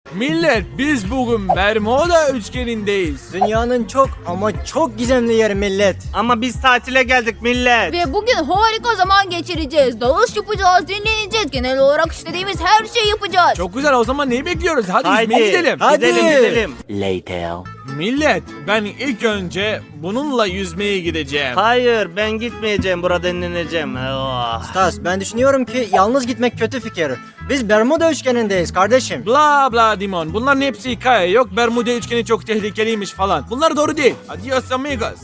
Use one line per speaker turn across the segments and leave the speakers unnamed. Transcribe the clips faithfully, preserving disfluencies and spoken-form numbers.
Millet, biz bugün Bermuda üçgenindeyiz.
Dünyanın çok ama çok gizemli yeri millet.
Ama biz tatile geldik millet.
Ve bugün harika zaman geçireceğiz. Dalış yapacağız, dinleneceğiz. Genel olarak istediğimiz her şeyi yapacağız.
Çok güzel, o zaman neyi bekliyoruz? Hadi
Haydi
yüzmeye gidelim.
Hadi.
Gidelim gidelim.
Later.
Millet, ben ilk önce bununla yüzmeye gideceğim.
Hayır ben gitmeyeceğim, burada dinleneceğim. Oh.
Stas, ben düşünüyorum ki yalnız gitmek kötü fikir. Biz Bermuda üçgenindeyiz kardeşim.
Bla bla Dimon. Bunların hepsi hikaye. Yok Bermuda üçgeni çok tehlikeliymiş falan. Bunlar doğru değil. Adios amigos.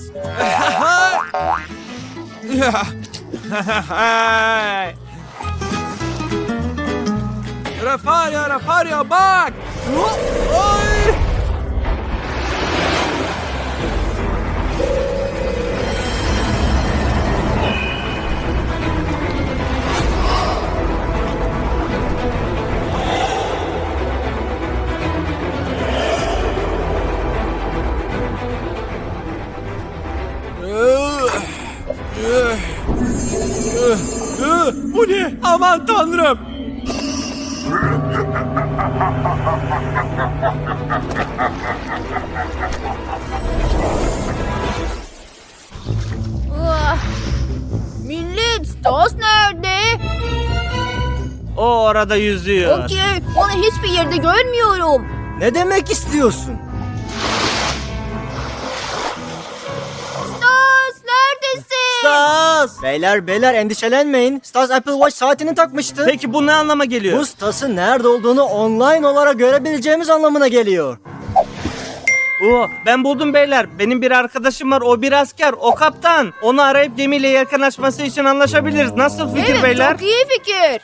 Rafario, Rafario bak. Oy. Bu ne? Aman tanrım.
Ah. Millet, Stas nerede?
O orada yüzüyor.
Okey, onu hiçbir yerde görmüyorum.
Ne demek istiyorsun?
Stas, neredesin?
Stas! Beyler beyler endişelenmeyin. Stas Apple Watch saatini takmıştı.
Peki bu ne anlama geliyor?
Bu Stas'ın nerede olduğunu online olarak görebileceğimiz anlamına geliyor.
Oo, ben buldum beyler. Benim bir arkadaşım var. O bir asker. O kaptan. Onu arayıp gemiyle yakınlaşması için anlaşabiliriz. Nasıl fikir
Evet,
beyler?
çok iyi fikir.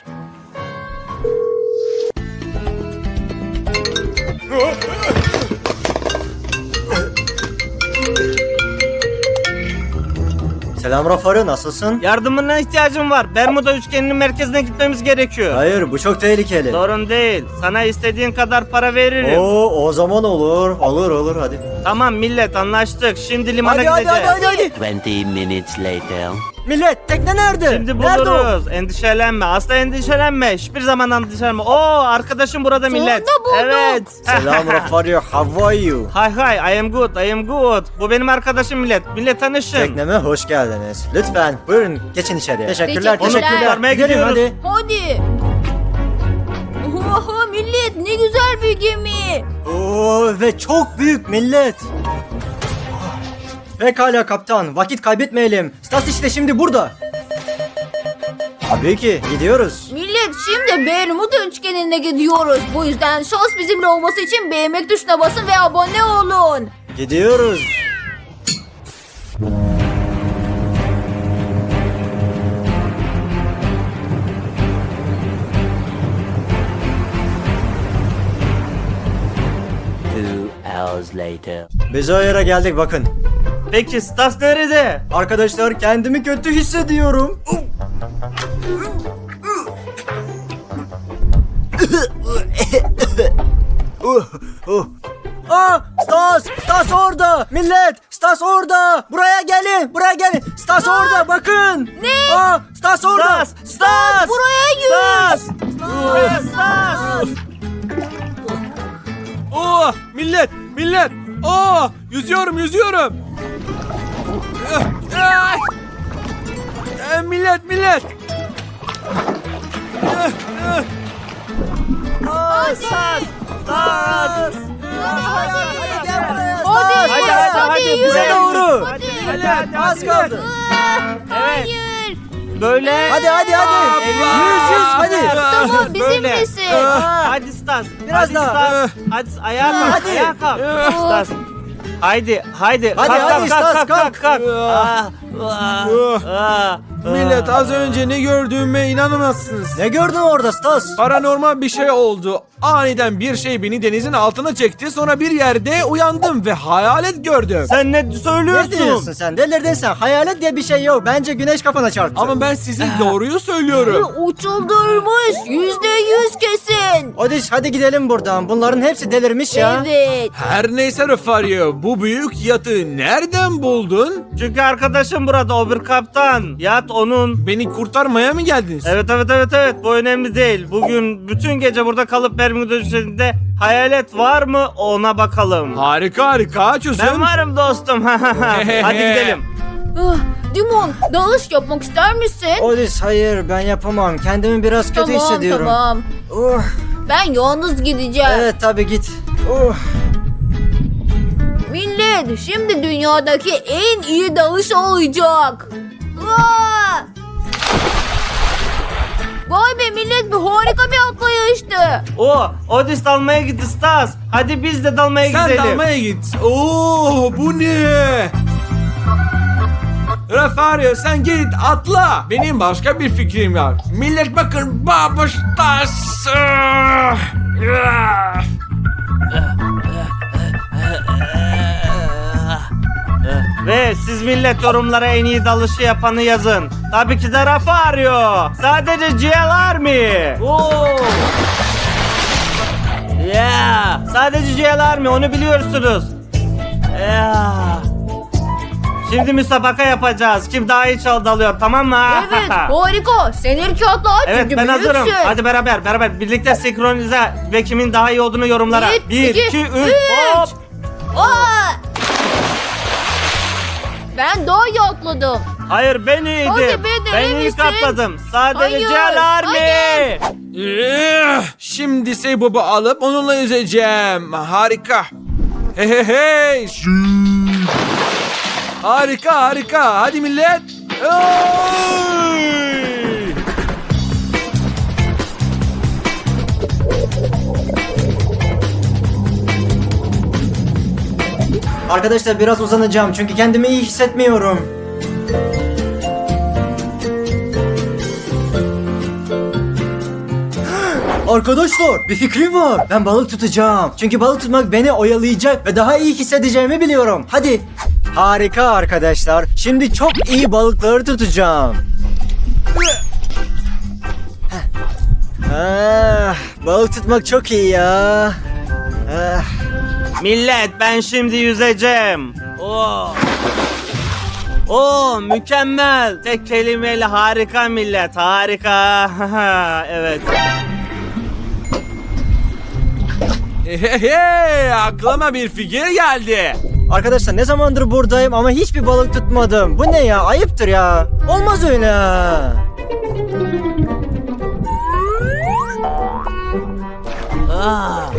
Selam Rafario, nasılsın?
Yardımına ihtiyacım var. Bermuda üçgeninin merkezine gitmemiz gerekiyor.
Hayır, bu çok tehlikeli.
Sorun değil. Sana istediğin kadar para veririm.
Oo, o zaman olur. Olur olur hadi.
Tamam millet anlaştık. Şimdi limana
Hadi hadi
gideceğiz.
hadi hadi hadi.
Twenty minutes later.
Millet tekne nerede?
Şimdi
Nerede o?
buluruz. Endişelenme. Asla endişelenme. Hiçbir zaman endişelenme. Oo arkadaşım burada millet.
bulduk.
Evet.
Selam Rafario, how are you?
Hay hay. I am good. I am good. Bu benim arkadaşım millet. Millet tanışın.
Tekneme hoş geldiniz. Lütfen buyurun geçin içeriye. Teşekkürler,
Teşekkürler.
teşekkürler.
Kurtarmaya
Gidelim
gidiyoruz.
hadi.
Hadi. Oha millet, ne güzel bir gemi.
Oo, ve çok büyük millet. Pekala kaptan, vakit kaybetmeyelim. Stas işte şimdi burada. Tabii ki gidiyoruz.
Millet, şimdi Bermuda üçgenine gidiyoruz. Bu yüzden şans bizimle olması için beğenmek tuşuna basın ve abone olun.
Gidiyoruz.
Two hours later.
Biz o yere geldik bakın.
Peki Stas nerede?
Arkadaşlar kendimi kötü hissediyorum. Uh, uh. Aa, Stas! Stas orada! Millet! Stas orada! Buraya gelin! Buraya gelin! Stas orada! Bakın!
Ne?
Aa, Stas orada!
Stas! Stas!
Buraya yürü.
Stas! Buraya Stas!
Oo, millet, millet. Oo, yüzüyorum, yüzüyorum. Ay! Ee, millet, millet.
Stas! Stas!
Hadi gel buraya Stas!
Hadi,
Hadi hadi hadi.
yürü.
Bize doğru.
Hadi.
Hadi hadi
Az
hadi.
kaldı.
Ah, Hayır.
Böyle.
Hadi hadi hadi.
Evet.
Yüz yüz hadi.
Tamam, bizim
Böyle.
misin?
Hadi Stas.
Biraz
hadi
daha.
Stas. Hadi ayağa kalk.
Hadi.
Ayağa kalk. Stas. Haydi, haydi.
Hadi,
kalk,
hadi,
kalk,
Stas,
kalk, kalk,
kalk.
kalk. Ah, ah, ah,
Millet,
ah.
az önce ne gördüğüme inanamazsınız.
Ne gördün orada Stas?
Paranormal bir şey oldu. Aniden bir şey beni denizin altına çekti. Sonra bir yerde uyandım ve hayalet gördüm.
Sen ne
Ne
söylüyorsun?
diyorsun sen? Delirdin sen. Hayalet diye bir şey yok. Bence güneş kafana çarptı.
Ama ben size doğruyu söylüyorum.
Uçuldurmuş. Yüzde yüz kesin.
Hadi hadi gidelim buradan. Bunların hepsi delirmiş ya.
Evet.
Her neyse Rafario, bu büyük yatı nereden buldun?
Çünkü arkadaşım burada o bir kaptan. Yat Fakat onun...
Beni kurtarmaya mı geldiniz?
Evet evet evet evet bu önemli değil. Bugün bütün gece burada kalıp Bermuda üzerinde hayalet var mı ona bakalım.
Harika harika çözüm.
Ben varım dostum. Hadi gidelim.
Ah, Dimon, dalış yapmak ister misin?
Odis hayır ben yapamam. Kendimi biraz kötü
tamam
hissediyorum.
tamam.
Uh,
Ben yalnız gideceğim.
evet tabii git. Uh.
Millet, şimdi dünyadaki en iyi dalış olacak. Aa! Vay be millet, bu harika bir atlayıştı.
O Odis dalmaya gitti Stas. Hadi biz de dalmaya
Sen
gidelim.
dalmaya git. Oo bu ne? Rafario sen git atla. Benim başka bir fikrim var. Millet bakın babuştas.
Ve siz millet yorumlara en iyi dalışı yapanı yazın. Tabii ki de Rafario. Sadece G L Army. Oo. Yeah. Sadece G L Army onu biliyorsunuz. Yeah. Şimdi müsabaka yapacağız. Kim daha iyi çal dalıyor tamam mı?
Evet, harika. Sen ilk atla
Evet
çünkü
ben
büyüksün.
hazırım. Hadi beraber beraber birlikte senkronize ve kimin daha iyi olduğunu yorumlara.
Bir,
Bir,
iki,
iki, üç,
üç.
hop.
Aa! Ben daha iyi atladım.
Hayır ben iyiydim.
Hadi be, de
ben
iyi
ilk
misin?
atladım. Sadece
Hayır,
G L Army.
Eh, Şimdi Seybob'u alıp onunla yüzeceğim. Harika. Hey hey hey. Harika harika. Hadi millet. Hey!
Arkadaşlar biraz uzanacağım çünkü kendimi iyi hissetmiyorum. Arkadaşlar bir fikrim var. Ben balık tutacağım. Çünkü balık tutmak beni oyalayacak ve daha iyi hissedeceğimi biliyorum. Hadi. Harika arkadaşlar. Şimdi çok iyi balıkları tutacağım. Ah, balık tutmak çok iyi ya. Ah.
Millet ben şimdi yüzeceğim. Oo. Oo mükemmel. Tek kelimeyle harika millet. Harika. Evet.
Hey hey hey. Aklıma bir fikir geldi.
Arkadaşlar ne zamandır buradayım ama hiçbir balık tutmadım. Bu ne ya? Ayıptır ya. Olmaz öyle.
Aa.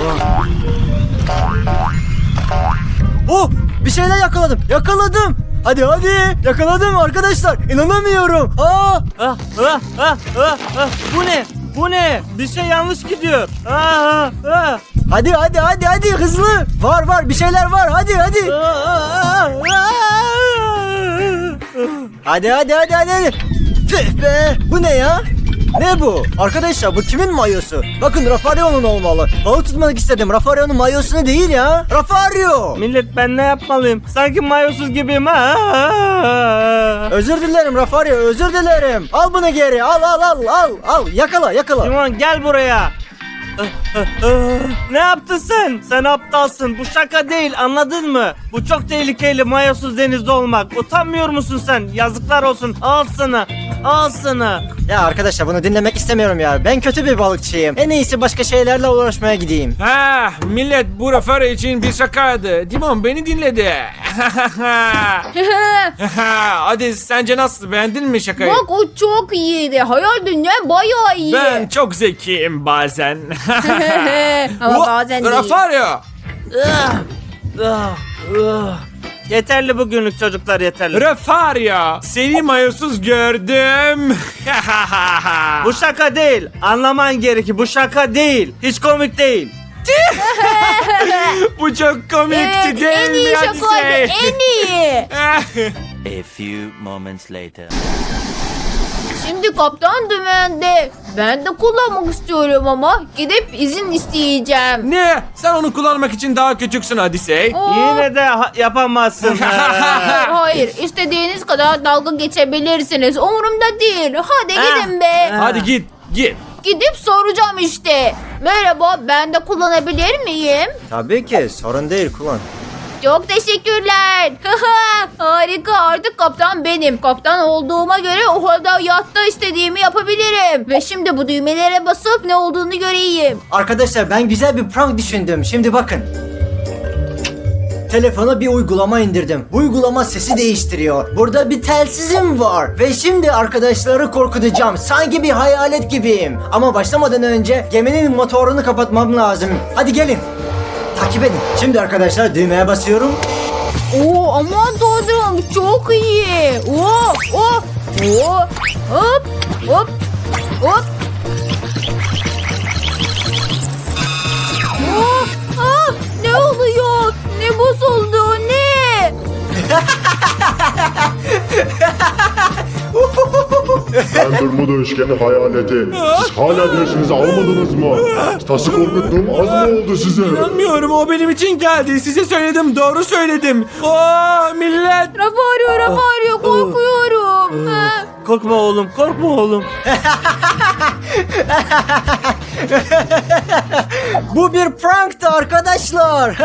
Oh! Bir şeyler yakaladım. Yakaladım. Hadi hadi. Yakaladım arkadaşlar. İnanamıyorum. Aa!
Ah, ah, ah, ah, ah. Bu ne? Bu ne? Bir şey yanlış gidiyor. Ah, ah,
Hadi hadi hadi hadi hızlı. Var var bir şeyler var. Hadi hadi.
ah, ah, ah.
Hadi hadi hadi hadi. hadi. Tüh be. Bu ne ya? Ne bu? Arkadaşlar bu kimin mayosu? Bakın Rafario'nun olmalı. Balık tutmak istedim. Rafario'nun mayosunu değil ya. Rafario.
Millet ben ne yapmalıyım? Sanki mayosuz gibiyim. Ah.
Özür dilerim Rafario. Özür dilerim. Al bunu geri. Al al al al. Al. Yakala yakala.
Timon gel buraya. Ne yaptın sen? Sen aptalsın. Bu şaka değil anladın mı? Bu çok tehlikeli mayosuz denizde olmak. Utanmıyor musun sen? Yazıklar olsun. Al sana. Al sana.
Ya arkadaşlar bunu dinlemek istemiyorum ya. Ben kötü bir balıkçıyım. En iyisi başka şeylerle uğraşmaya gideyim.
Ha, millet bu Rafario için bir şakaydı. Dimon beni dinledi. Hadi sence nasıl, beğendin mi şakayı?
Bak o çok iyiydi. Hayal dünyam bayağı iyi.
Ben çok zekiyim bazen.
Ama
Bu-
bazen değil.
Rafario.
Ah, ah, ah. Yeterli bugünlük çocuklar yeterli.
Rafario. Seni mayosuz gördüm.
Bu şaka değil. Anlaman gerekir. Bu şaka değil. Hiç komik değil.
Bu çok komikti
Evet,
değil
en
mi?
iyi
Hadi
şakaydı.
say.
En iyi.
A few moments later.
Şimdi kaptan dümende. Ben de kullanmak istiyorum ama gidip izin isteyeceğim.
Ne? Sen onu kullanmak için daha küçüksün Hadise.
Aa,
Yine de ha- yapamazsın.
Hayır, hayır. İstediğiniz kadar dalga geçebilirsiniz. Umurumda değil. Hadi gidin be.
Hadi git, git.
Gidip soracağım işte. Merhaba, ben de kullanabilir miyim?
Tabii ki sorun değil kullan.
Çok teşekkürler. Harika, artık kaptan benim. Kaptan olduğuma göre o halde yatta istediğimi yapabilirim. Ve şimdi bu düğmelere basıp ne olduğunu göreyim.
Arkadaşlar ben güzel bir prank düşündüm. Şimdi bakın. Telefona bir uygulama indirdim. Bu uygulama sesi değiştiriyor. Burada bir telsizim var. Ve şimdi arkadaşları korkutacağım. Sanki bir hayalet gibiyim. Ama başlamadan önce geminin motorunu kapatmam lazım. Hadi gelin. Takip edin. Şimdi arkadaşlar düğmeye basıyorum.
Oo, aman tanrım, çok iyi. Oo, oo, oo. Hop, hop, hop. Oo, ah, ne oluyor? Ne bozuldu? Ne?
Ben Bermuda üçgeni hayaleti. Siz hala dersinizi almadınız mı? Stas'ı korkuttum, az mı oldu size?
İnanmıyorum, o benim için geldi. Size söyledim, doğru söyledim. Aa millet.
Rafa arıyor, Rafa arıyor. Korkuyorum. Ha.
Korkma oğlum, korkma oğlum.
Bu bir pranktı arkadaşlar.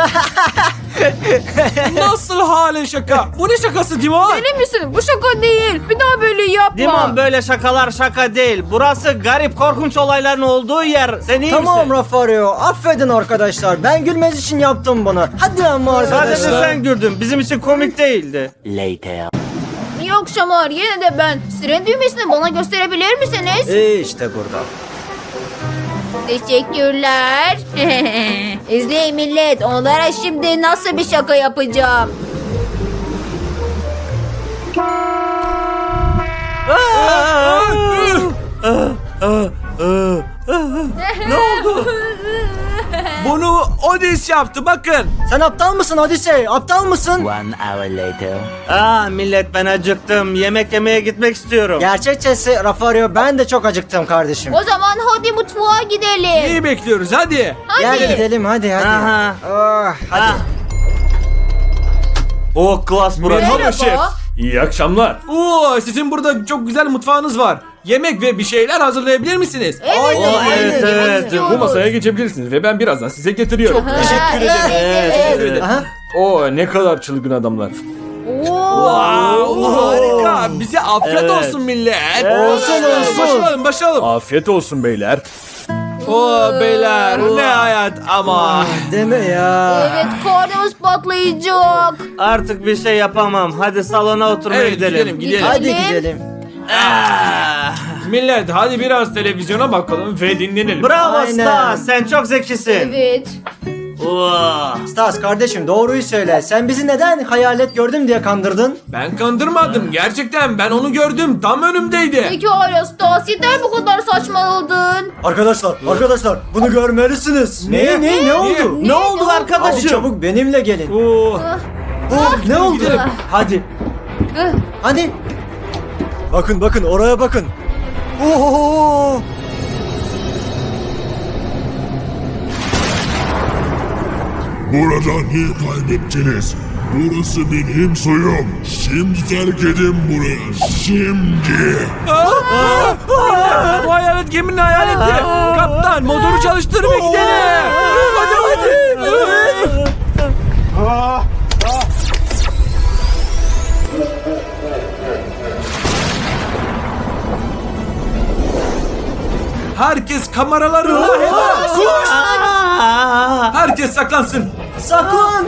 Nasıl halen şaka? Bu ne şakası Dimon?
Deli misin? Bu şaka değil. Bir daha böyle yapma.
Dimon, böyle şakalar şaka değil. Burası garip, korkunç olayların olduğu yer. Sen iyi
Tamam
misin?
Rafario, affedin arkadaşlar. Ben gülmez için yaptım bunu. Hadi ama
Sadece
arkadaşlar.
sen güldün. Bizim için komik değildi.
Later.
Yok Şamar, yine de ben. Siren düğmesini bana gösterebilir misiniz?
İyi işte burada.
Teşekkürler. İzleyin millet. Onlara şimdi nasıl bir şaka yapacağım.
Ne oldu?
Bunu Odis yaptı, bakın.
Sen aptal mısın Odisey? Aptal mısın?
One hour later.
Aa millet, ben acıktım. Yemek yemeye gitmek istiyorum.
Gerçekçesi Rafario, ben de çok acıktım kardeşim.
O zaman hadi mutfağa gidelim.
Neyi bekliyoruz, hadi.
Hadi.
Gel gidelim hadi hadi.
Aha.
Ah, hadi.
Ah. Oh, klas burası.
Merhaba. şef.
İyi akşamlar.
Oo, sizin burada çok güzel mutfağınız var. Yemek ve bir şeyler hazırlayabilir misiniz?
Evet,
Aynen,
evet,
aynen.
evet,
Evet,
istiyoruz.
Bu masaya geçebilirsiniz ve ben birazdan size getiriyorum.
Ha,
Teşekkür ederim.
Evet,
Evet,
evet.
evet.
Aha.
Oo, ne kadar çılgın adamlar.
Oo.
Wow, harika. Bize afiyet
Evet.
olsun millet.
Olsun, olsun.
Başlayalım, başlayalım.
Afiyet olsun beyler.
Oo beyler, ne hayat ama.
Deme ya.
Evet, karnımız patlayacak.
Artık bir şey yapamam. Hadi salona oturmaya
Evet,
gidelim.
gidelim, gidelim.
Hadi
Gidelim.
gidelim.
Ah.
Millet, hadi biraz televizyona bakalım ve dinlenelim.
Bravo
Aynen.
Stas, sen çok zekisin.
Evet.
Oo.
Stas kardeşim, doğruyu söyle. Sen bizi neden hayalet gördüm diye kandırdın?
Ben kandırmadım, gerçekten ben onu gördüm, tam önümdeydi.
Peki hala Stas, yeter bu kadar saçmaladın.
Arkadaşlar, arkadaşlar bunu görmelisiniz. Ne ne ne oldu?
Ne oldu
Hadi
arkadaşım?
çabuk benimle gelin.
Oo.
Oh, ne oldu?
gidelim.
Hadi.
Hıh.
Hadi. Bakın bakın oraya bakın. Oo!
Burada niye kaybettiniz? Burası benim soyum. Şimdi terk edin burayı. Şimdi.
Bu hayalet geminin hayaleti. Kaptan, motoru çalıştır ve gidelim. Hadi hadi. Herkes kameralarında hemen.
Aa.
Herkes saklansın.
Saklan.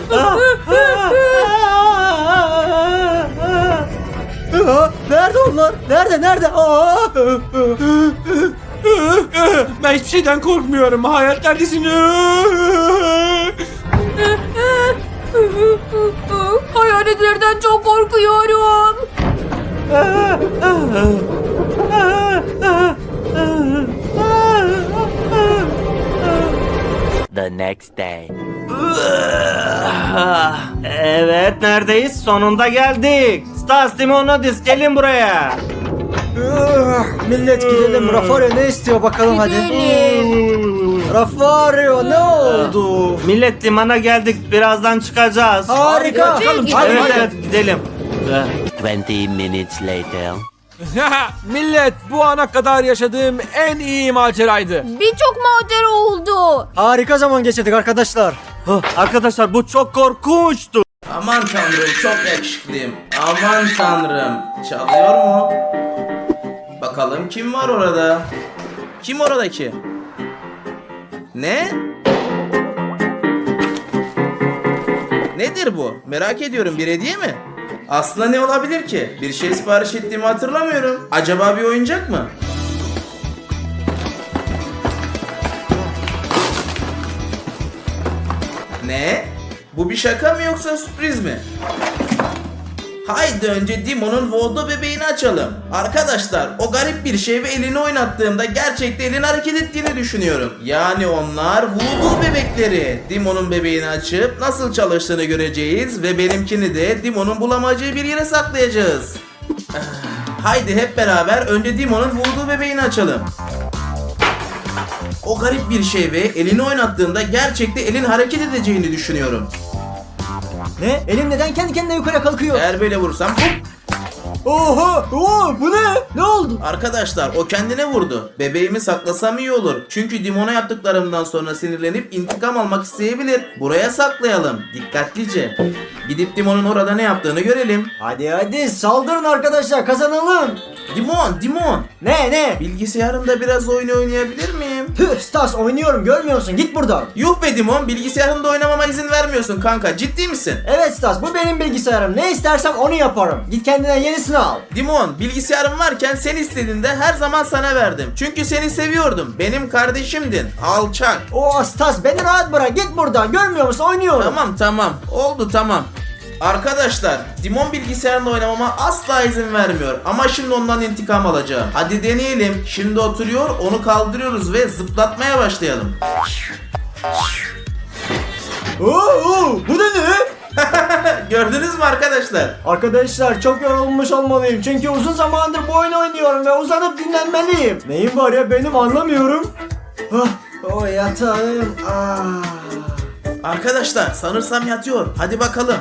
Aa, nerede onlar? Nerede nerede? Aa!
Ben hiçbir şeyden korkmuyorum. Hayat neredesin?
Hayaletlerden çok korkuyorum.
The next day.
Ah, evet, neredeyiz? Sonunda geldik. Stas, Timonodis, gelin buraya.
Ah, millet gidelim. Rafario ne istiyor bakalım hadi.
Gidelim.
Rafario ne oldu?
Millet, limana geldik. Birazdan çıkacağız.
Harika.
Hadi,
Hadi,
gidelim.
Evet,
hadi.
evet, gidelim.
Twenty minutes later.
Millet, bu ana kadar yaşadığım en iyi maceraydı.
Birçok macera oldu.
Harika zaman geçirdik arkadaşlar.
Arkadaşlar, bu çok korkunçtu.
Aman tanrım çok yakışıklıyım. Aman tanrım. Çalıyor mu? Bakalım kim var orada? Kim oradaki? Ne? Nedir bu? Merak ediyorum, bir hediye mi? Aslında ne olabilir ki? Bir şey sipariş ettiğimi hatırlamıyorum. Acaba bir oyuncak mı? Ne? Bu bir şaka mı yoksa sürpriz mi? Haydi önce Demon'un Voodoo bebeğini açalım. Arkadaşlar o garip bir şey ve elini oynattığımda gerçekten elin hareket ettiğini düşünüyorum. Yani onlar Voodoo bebekleri. Demon'un bebeğini açıp nasıl çalıştığını göreceğiz ve benimkini de Demon'un bulamayacağı bir yere saklayacağız. Ah, haydi hep beraber önce Demon'un Voodoo bebeğini açalım. O garip bir şey ve elini oynattığında gerçekten elin hareket edeceğini düşünüyorum.
Ne? Elim neden kendi kendine yukarı kalkıyor?
Eğer böyle vurursam hop.
Oha! Oo, bu ne? Ne oldu?
Arkadaşlar o kendine vurdu. Bebeğimi saklasam iyi olur. Çünkü Demon'a yaptıklarımdan sonra sinirlenip intikam almak isteyebilir. Buraya saklayalım. Dikkatlice. Gidip Demon'un orada ne yaptığını görelim.
Hadi hadi saldırın arkadaşlar, kazanalım.
Demon, Demon.
Ne ne?
Bilgisayarımda biraz oyun oynayabilir miyim?
Tüh Stas, oynuyorum görmüyor musun? Git buradan.
Yuh be Demon, bilgisayarımda oynamama izin vermiyorsun kanka. Ciddi misin?
Evet Stas, bu benim bilgisayarım. Ne istersem onu yaparım. Git kendine yenisini al.
Demon, bilgisayarım varken sen istediğinde her zaman sana verdim. Çünkü seni seviyordum. Benim kardeşimdin. Alçak.
Oo Stas, beni rahat bırak. Git buradan. Görmüyor musun? Oynuyorum.
Tamam tamam. Oldu tamam. Arkadaşlar, Demon bilgisayarla oynamama asla izin vermiyor. Ama şimdi ondan intikam alacağım. Hadi deneyelim. Şimdi oturuyor, onu kaldırıyoruz ve zıplatmaya başlayalım.
Oo, oo, bu da ne?
Gördünüz mü arkadaşlar?
Arkadaşlar çok yorulmuş olmalıyım. Çünkü uzun zamandır bu oyunu oynuyorum ve uzanıp dinlenmeliyim. Neyim var ya benim, anlamıyorum. Ah, o yatağım. Ah.
Arkadaşlar, sanırsam yatıyor. Hadi bakalım.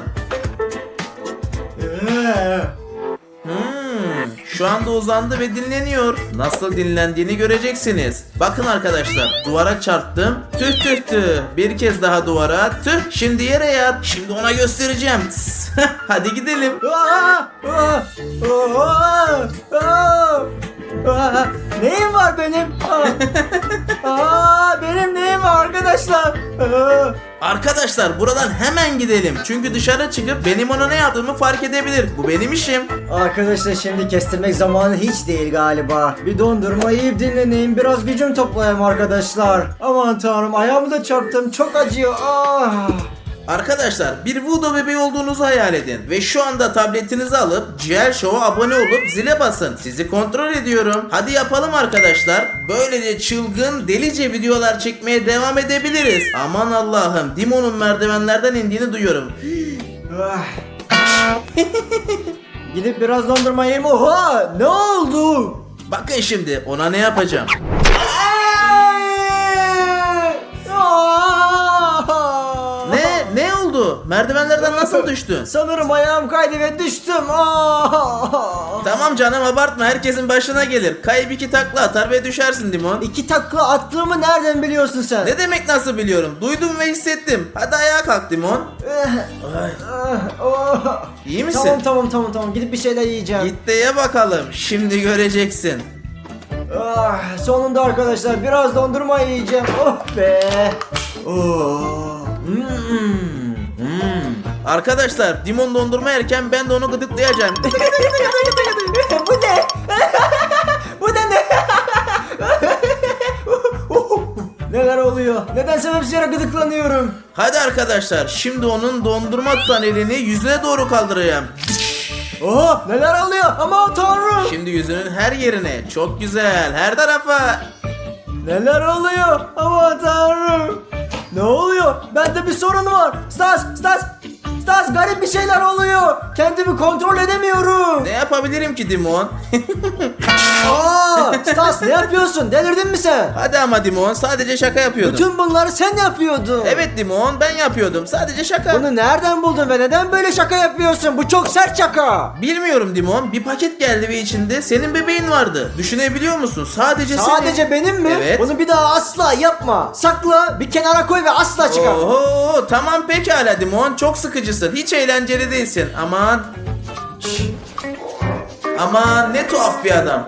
Ee.
Hmm, şu anda uzandı ve dinleniyor. Nasıl dinlendiğini göreceksiniz. Bakın arkadaşlar, duvara çarptım. Tüh tüh tüh. Bir kez daha duvara. Tüh. Şimdi yere yat. Şimdi ona göstereceğim. Tıs. Hadi gidelim.
Aa, aa, aa, aa, aa. Neyim var benim? Aa, aa, benim neyim var arkadaşlar? Aa.
Arkadaşlar buradan hemen gidelim. Çünkü dışarı çıkıp benim ona ne yaptığımı fark edebilir. Bu benim işim.
Arkadaşlar şimdi kestirmek zamanı hiç değil galiba. Bir dondurma yiyip dinleneyim, biraz gücüm toplayayım arkadaşlar. Aman tanrım, ayağımı da çarptım, çok acıyor. Ah.
Arkadaşlar bir Voodoo bebeği olduğunuzu hayal edin. Ve şu anda tabletinizi alıp G L Show'a abone olup zile basın. Sizi kontrol ediyorum. Hadi yapalım arkadaşlar. Böylece çılgın delice videolar çekmeye devam edebiliriz. Aman Allah'ım, Demon'un merdivenlerden indiğini duyuyorum.
Ah. Gidip biraz dondurma yiyeyim. Oha, ne oldu?
Bakın şimdi ona ne yapacağım. Ne? Ne oldu? Merdivenlerden nasıl düştün?
Sanırım ayağım kaydı ve düştüm. Aa!
Tamam canım, abartma, herkesin başına gelir. Kayıp iki takla atar ve düşersin Demon.
İki takla attığımı nereden biliyorsun sen?
Ne demek nasıl biliyorum? Duydum ve hissettim. Hadi ayağa kalk Demon. Ay,
Ah, oh.
İyi misin?
Tamam tamam tamam tamam, gidip bir şeyler yiyeceğim.
Git de ye bakalım. Şimdi göreceksin.
Ah, sonunda arkadaşlar biraz dondurma yiyeceğim. Oh be. Oh. Hmm. Hmm.
Arkadaşlar Demon dondurma yerken ben de onu gıdıklayacağım.
Bu ne? Bu da ne? Neler oluyor? Neden sebepsiz yere gıdıklanıyorum?
Hadi arkadaşlar, şimdi onun dondurma tutan elini yüzüne doğru kaldıracağım.
Oh, neler oluyor? Aman tanrım.
Şimdi yüzünün her yerine. Çok güzel. Her tarafa.
Neler oluyor? Aman tanrım. Ne oluyor? Bende bir sorun var. Stas, Stas, Stas, garip bir şeyler oluyor. Kendimi kontrol edemiyorum.
Ne yapabilirim ki Dimon?
Aa, Stas ne yapıyorsun? Delirdin mi sen?
Hadi ama Dimon, sadece şaka yapıyordum.
Bütün bunları sen yapıyordun.
Evet Dimon, ben yapıyordum. Sadece şaka.
Bunu nereden buldun ve neden böyle şaka yapıyorsun? Bu çok sert şaka.
Bilmiyorum Dimon. Bir paket geldi ve içinde senin bebeğin vardı. Düşünebiliyor musun? Sadece senin.
Sadece benim mi?
Evet.
Bunu bir daha asla yapma. Sakla, bir kenara koy ve asla çıkar.
Oho, tamam pekala Dimon. Çok sıkıcısın. Hiç eğlenceli değilsin. Aman. Şşş. Aman ne tuhaf bir adam.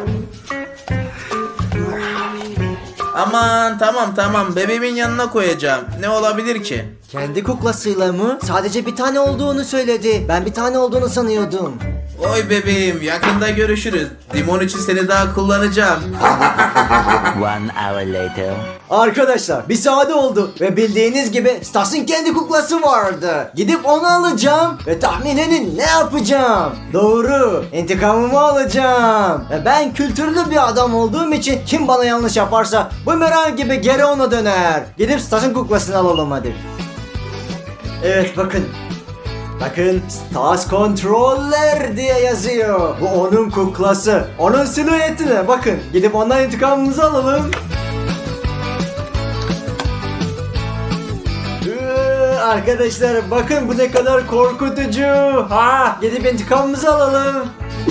Aman tamam tamam, bebeğimin yanına koyacağım. Ne olabilir ki?
Kendi kuklasıyla mı? Sadece bir tane olduğunu söyledi. Ben bir tane olduğunu sanıyordum.
Oy bebeğim, yakında görüşürüz. Dimon için seni daha kullanacağım.
One hour later.
Arkadaşlar bir saat oldu ve bildiğiniz gibi Stas'ın kendi kuklası vardı. Gidip onu alacağım ve tahmin edin ne yapacağım? Doğru, intikamımı alacağım. Ve ben kültürlü bir adam olduğum için kim bana yanlış yaparsa bumerang gibi geri ona döner. Gidip Stas'ın kuklasını alalım hadi. Evet bakın. Bakın Stas Controller diye yazıyor. Bu onun kuklası. Onun silüetine bakın. Gidip ondan intikamımızı alalım. Ee, Arkadaşlar bakın bu ne kadar korkutucu. Ha, gidip intikamımızı alalım.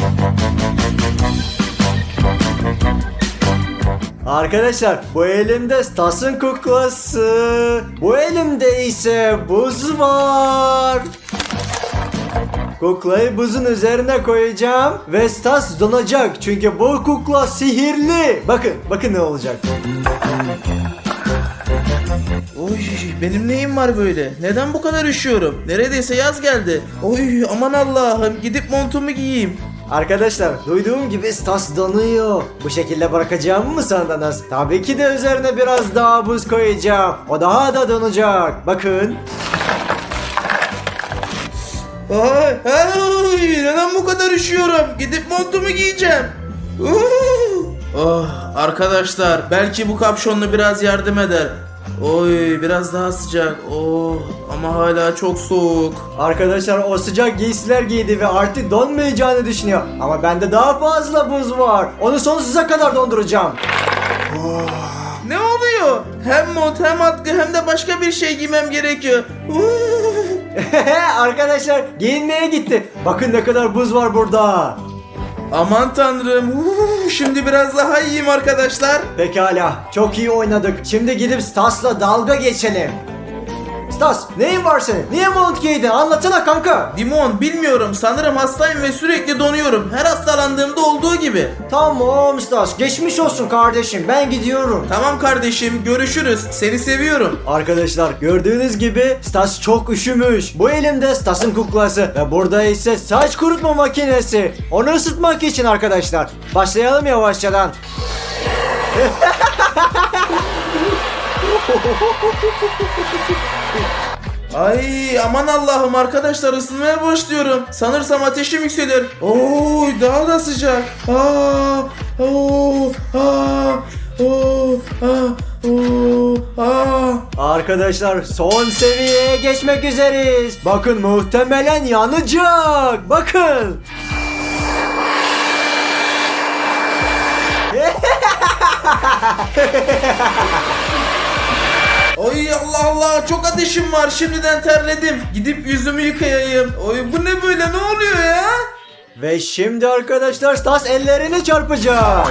Arkadaşlar bu elimde Stas'ın kuklası. Bu elimde ise buz var. Kuklayı buzun üzerine koyacağım ve Stas donacak çünkü bu kukla sihirli. Bakın, bakın ne olacak.
Oy, benim neyim var böyle? Neden bu kadar üşüyorum? Neredeyse yaz geldi. Oy, aman Allah'ım, gidip montumu giyeyim.
Arkadaşlar duyduğum gibi Stas donuyor. Bu şekilde bırakacağımı mı sandınız? Tabii ki de üzerine biraz daha buz koyacağım. O daha da donacak. Bakın.
Ay, ay, neden bu kadar üşüyorum? Gidip montumu giyeceğim. Uh! Oh, arkadaşlar belki bu kapşonlu biraz yardım eder. Oy, biraz daha sıcak. Oh, ama hala çok soğuk.
Arkadaşlar o sıcak giysiler giydi ve artık donmayacağını düşünüyor. Ama bende daha fazla buz var. Onu sonsuza kadar donduracağım.
Ne oluyor? Hem mont hem atkı hem de başka bir şey giymem gerekiyor. Uh!
Arkadaşlar giyinmeye gitti. Bakın ne kadar buz var burada.
Aman tanrım. Uh, şimdi biraz daha iyiyim arkadaşlar.
Pekala, çok iyi oynadık. Şimdi gidip Stas'la dalga geçelim. Stas, neyin var senin? Niye mont giydin? Anlatsana kanka.
Dimon, bilmiyorum, sanırım hastayım ve sürekli donuyorum. Her hastalandığımda olduğu gibi.
Tamam Stas, geçmiş olsun kardeşim. Ben gidiyorum.
Tamam kardeşim, görüşürüz. Seni seviyorum.
Arkadaşlar gördüğünüz gibi Stas çok üşümüş. Bu elimde Stas'ın kuklası ve burada ise saç kurutma makinesi. Onu ısıtmak için arkadaşlar. Başlayalım yavaşçadan.
Ay aman Allah'ım arkadaşlar, ısınmaya başlıyorum. Sanırsam ateşim yükseliyor. Oy, daha da sıcak. Aa, oo, aa, oo, aa, oo, aa.
Arkadaşlar son seviyeye geçmek üzereyiz. Bakın muhtemelen yanacak. Bakın.
Ay Allah Allah, çok ateşim var, şimdiden terledim. Gidip yüzümü yıkayayım. Oy, bu ne böyle, ne oluyor ya?
Ve şimdi arkadaşlar Stas ellerini çarpacak.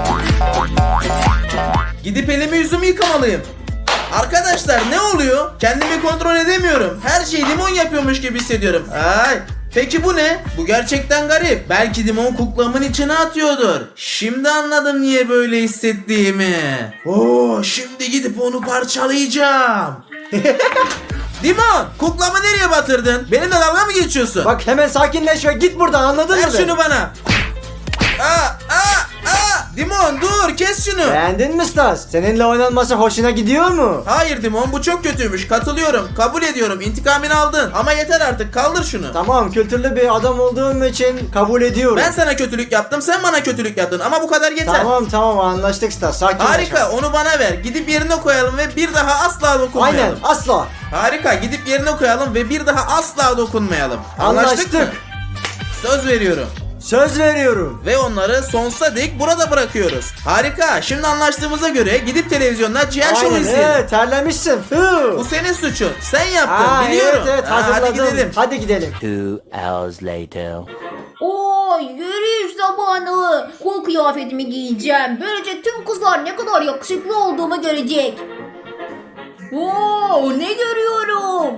Gidip elimi yüzümü yıkamalıyım. Arkadaşlar ne oluyor? Kendimi kontrol edemiyorum. Her şeyi Dimon yapıyormuş gibi hissediyorum. Ay. Peki bu ne? Bu gerçekten garip. Belki Dimon kuklamın içine atıyordur. Şimdi anladım niye böyle hissettiğimi. Oo, şimdi gidip onu parçalayacağım. Dimon, kuklamı nereye batırdın? Benimle dalga mı geçiyorsun?
Bak hemen sakinleş ve git buradan, anladın
Ver
mı?
şunu bana. Aa, aa, aa. Dimon dur kes şunu.
Beğendin mi Stas? Seninle oynanması hoşuna gidiyor mu?
Hayır Dimon bu çok kötüymüş. Katılıyorum. Kabul ediyorum. İntikamını aldın. Ama yeter artık. Kaldır şunu.
Tamam, kültürlü bir adam olduğum için kabul ediyorum.
Ben sana kötülük yaptım. Sen bana kötülük yaptın. Ama bu kadar yeter.
Tamam tamam anlaştık Stas. Sakin ol.
Harika. Onu bana ver. Gidip yerine koyalım ve bir daha asla dokunmayalım.
Aynen asla.
Harika. Gidip yerine koyalım ve bir daha asla dokunmayalım. Anlaştık, mı?
Anlaştık.
Söz veriyorum.
Söz veriyorum.
Ve onları sonsuza dek burada bırakıyoruz. Harika. Şimdi anlaştığımıza göre gidip televizyonda Cihan Show
Aynen
izleyelim.
evet, terlemişsin. Hı.
Bu senin suçun. Sen yaptın.
Aa,
biliyorum.
Evet evet
Ha,
hazırladım.
hadi gidelim.
Hadi gidelim.
Two hours later.
Oo, yürüyüş zamanı. Kul kıyafetimi giyeceğim. Böylece tüm kızlar ne kadar yakışıklı olduğumu görecek. Oo, ne görüyorum?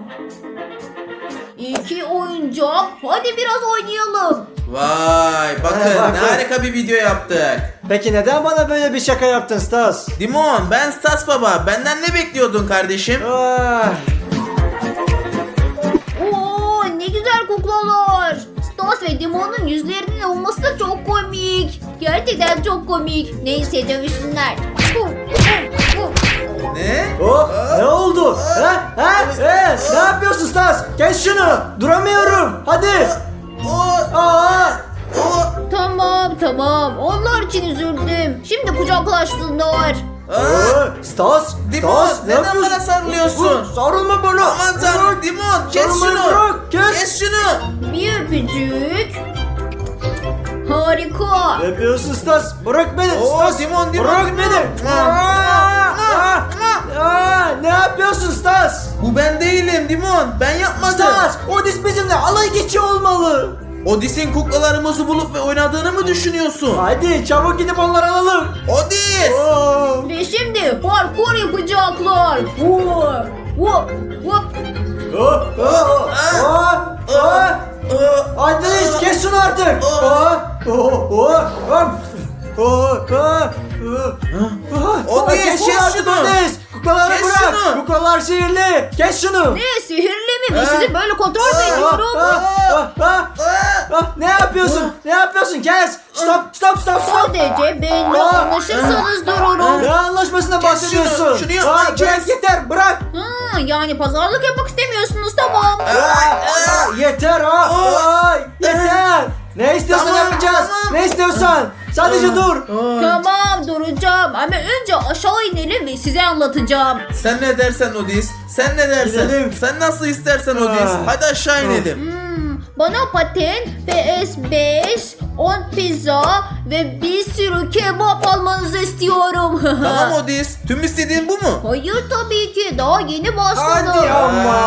İki oyuncak. Hadi biraz oynayalım.
Vay bakın
He, bak,
ne
bak.
harika bir video yaptık.
Peki neden bana böyle bir şaka yaptın Stas?
Dimon ben Stas Baba. Benden ne bekliyordun kardeşim?
Ah,
Oo, ne güzel kuklalar. Stas ve Dimon'un yüzlerinin olması da çok komik. Gerçekten çok komik. Neyse dövüşsünler.
Ne?
oh, ne oldu? Ha? Ha? Ee, ne yapıyorsun Stas? Kes şunu. Duramıyorum. Hadi.
O,
Aa.
o,
Tamam tamam. Onlar için üzüldüm. Şimdi kucaklaşsınlar.
Aa,
Ee, Stas.
Dimon
Stas, ne
neden
yapıyorsun?
bana sarılıyorsun?
Dur, sarılma bana.
Aman tanrım
Bırak.
Dimon kes
Sarılmayı
şunu.
bırak, kes.
Kes şunu.
Bir öpücük. Harika.
Ne yapıyorsun Stas? Bırak beni.
Oo,
Stas.
Dimon, Dimon,
Bırak
Dimon.
beni.
Mua,
Aa,
mua,
aa, aa, ne yapıyorsun Stas?
Bu ben değilim Dimon. Ben yapmadım.
Stas, Odis bizimle alay geçiyor olmalı.
Odis'in kuklalarımızı bulup ve oynadığını mı düşünüyorsun?
Hadi çabuk gidip onları alalım.
Odis!
Oo.
Ve şimdi parkur yapacaklar. Hop, hop, hop.
Oh, oh, oh, oh. Adres kes şunu artık. Oh, oh, oh, oh. Oh, oh, oh.
Odis,
Kes şunu
kes
artık
şunu.
Odis. Kuklaları
Kes
bırak.
şunu.
Kuklalar sihirli. Kes şunu.
Ne sihirli mi? Ben
Aa.
sizi böyle kontrol mü
Ah,
ediyorum?
ah, ah, ah, ah. Ne yapıyorsun? Ne yapıyorsun? Kes. Stop, stop, stop, stop.
Sadece benimle
Aa.
anlaşırsanız dururum.
Ne anlaşmasına
Kes
bahsediyorsun?
şunu, şunu yapma,
Aa, bırak
kes.
yeter, bırak.
Ha, yani pazarlık yapmak istemiyorsunuz tamam.
Aa, aa, yeter ha. Aa, yeter. Ne istiyorsan
Tamam,
yapacağız.
tamam.
Ne istiyorsan. Sadece dur.
Tamam duracağım ama önce aşağı inelim ve size anlatacağım.
Sen ne dersen Odis? Sen ne dersen?
Gidelim.
Sen nasıl istersen Odis?
Ah.
Hadi aşağı inelim.
Hmm, bana paten, P S beş, on pizza ve bir sürü kebap almanızı istiyorum.
Tamam Odis. Tüm istediğin bu mu?
Hayır tabii ki daha yeni başladım.
Hadi ama.